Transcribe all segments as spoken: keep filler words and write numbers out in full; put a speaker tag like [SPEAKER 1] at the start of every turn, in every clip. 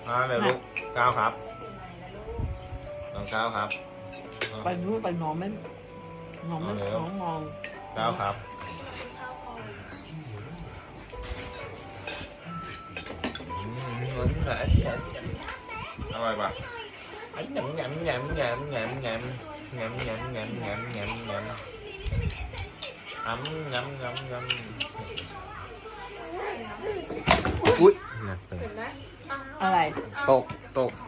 [SPEAKER 1] มาเดี๋ยวลูกก้าวครับน้องก้าวครับ
[SPEAKER 2] ไปนู้นไปนอนไม่นอนไม่น้องมอง
[SPEAKER 1] ก้าวครับอร่อยปะยำยำยำยำยำยำยำยำยำยำยำยำยำยำยำยำอุ้ยหนักไป
[SPEAKER 2] อะไร
[SPEAKER 1] ตกตก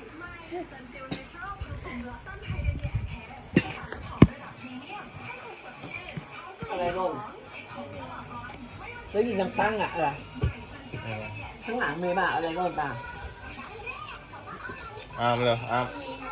[SPEAKER 2] อะไรลงแล้วยิงน้ำตั้งอะอะไรข้างหลังมีป่ะอะไรลงป่ะ
[SPEAKER 1] อ้ามเลยอ้าม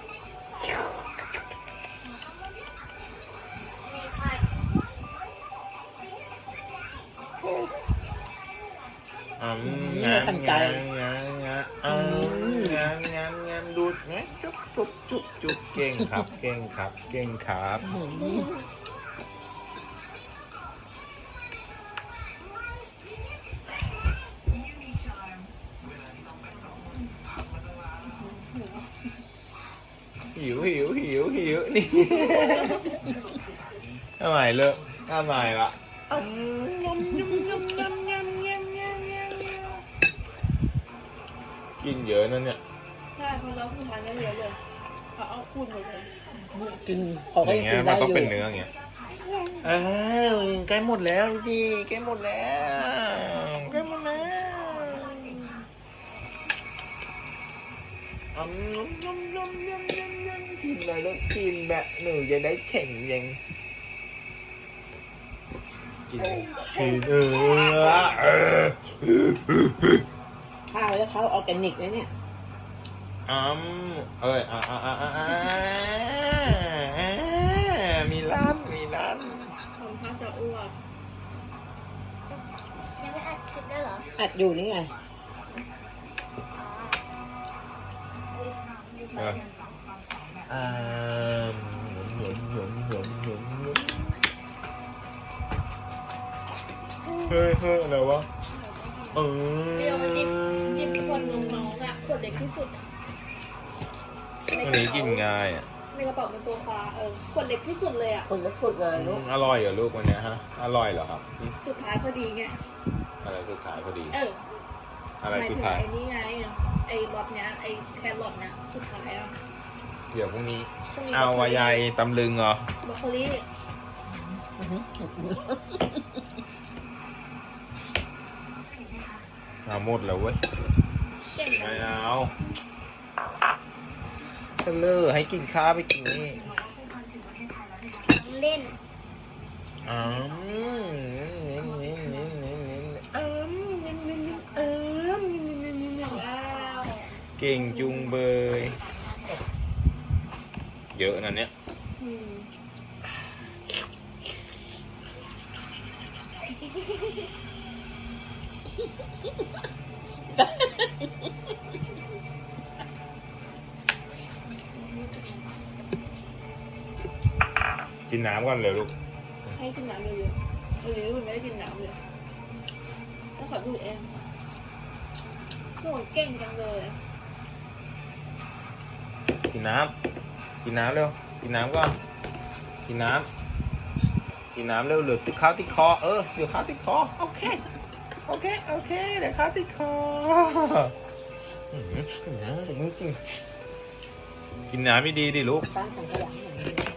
[SPEAKER 1] อ้ามงานงานงานงานอ้ามงานงานงานดูดไงจุ๊บจุ๊บจุ๊บจุ๊บเก่งครับเก่งครับเก่งครับหิวหิวหิวหิวนี่ทำไมเลิกทำไมล่ะกินเยอะนั่นเนี่ย
[SPEAKER 3] ใช่เพราะเราคือมันเยอะเลยเขาเอาคูณหมดเลย
[SPEAKER 2] กินเขาก็
[SPEAKER 1] อ
[SPEAKER 2] ยั
[SPEAKER 1] ย่าง ง
[SPEAKER 2] กิ
[SPEAKER 1] เงี้ย
[SPEAKER 2] น
[SPEAKER 1] มัน
[SPEAKER 2] ได้
[SPEAKER 1] ต้อง
[SPEAKER 2] อยู่
[SPEAKER 1] เป็นเนื้ออย่างเงี้ยเออใกล้หมดแล้วดิใกล้หมดแล้วใกล้หมดแล้วอืมยำยำยำยำยำกินเลยแล้วกินแบบหนูจะได้แข็งยังกินกินเออเออ
[SPEAKER 2] ข้าวแล้วเขาออร์แกนิกนะเนี่ย
[SPEAKER 1] อืมเอ้ยอ่าอ่าอ่าอ่ามีร้านมีร้าน
[SPEAKER 3] คนเขาจะอ้วก
[SPEAKER 4] ยังไม่อัดคลิปได้เหรอ
[SPEAKER 2] อัดอยู่นี่ไง
[SPEAKER 1] เอออ่าหยนหยนหยนหยนหยนเฮ้ยเฮ้ยอะไรวะเออ
[SPEAKER 3] เดี๋ยวมันหยิบหยิบขวดนมน้องอะขวดเล็กที่สุด
[SPEAKER 1] อันนี้กินง่ายอ่ะ
[SPEAKER 3] ในกระเป๋าเป็นตัวฟ้าเออขวดเล็กที่สุดเลยอะ
[SPEAKER 2] คนละสุดเลยลูก
[SPEAKER 1] อร่อยเหรอลูกวันเนี้ยฮะอร่อยเหรอครับ
[SPEAKER 3] สุดท้ายพอดีไง
[SPEAKER 1] อะไรสุดท้ายพอดี
[SPEAKER 3] เออ
[SPEAKER 1] อะไร
[SPEAKER 3] หมาย
[SPEAKER 1] สุ
[SPEAKER 3] ถึ
[SPEAKER 1] ด
[SPEAKER 3] ง
[SPEAKER 1] ท้าย
[SPEAKER 3] ไอ้นี่ไงไอ้รสเนี้ยไอ้แครอทเนี้ยสุดท้ายอะ
[SPEAKER 1] เดี๋ยวพรุ่งนี้
[SPEAKER 3] พรุ่งนี้
[SPEAKER 1] เอาวายายตำลึงเหรอบ
[SPEAKER 3] รอกโคลี
[SPEAKER 1] เอาหมดแล้วเว้ย
[SPEAKER 3] เก่ง
[SPEAKER 1] ไม่เอาเฉลยให้กินข้าวไปกินนี่
[SPEAKER 4] เล่น
[SPEAKER 1] อืมนี่นี่นี่นี่นี่อืมนี่นี่นี่อืมนี่นี่นี่นี่
[SPEAKER 3] ว้าว
[SPEAKER 1] เก่งจุงเบยเยอะนะเนี่ย
[SPEAKER 3] อืม
[SPEAKER 1] กินน้ำก่อนเลยลูก
[SPEAKER 3] ให้กินน้ำเยอะๆเออมันไม่ได้กินน้ำเลยต้องขอดูดเองโหเก่งจังเลย
[SPEAKER 1] กินน้ำกินน้ำเร็วกินน้ำก่อนกินน้ำกินน้ำเร็วเหลือติดข้าวติดคอเออเดี๋ยวข้าวติดคอโอเคโอเคโอเคเดี๋ยวข้าวติดคออืมกินน้ำจริงๆกินน้ำไม่ดีดิลูก
[SPEAKER 2] ตั้งถังขยะหน่อย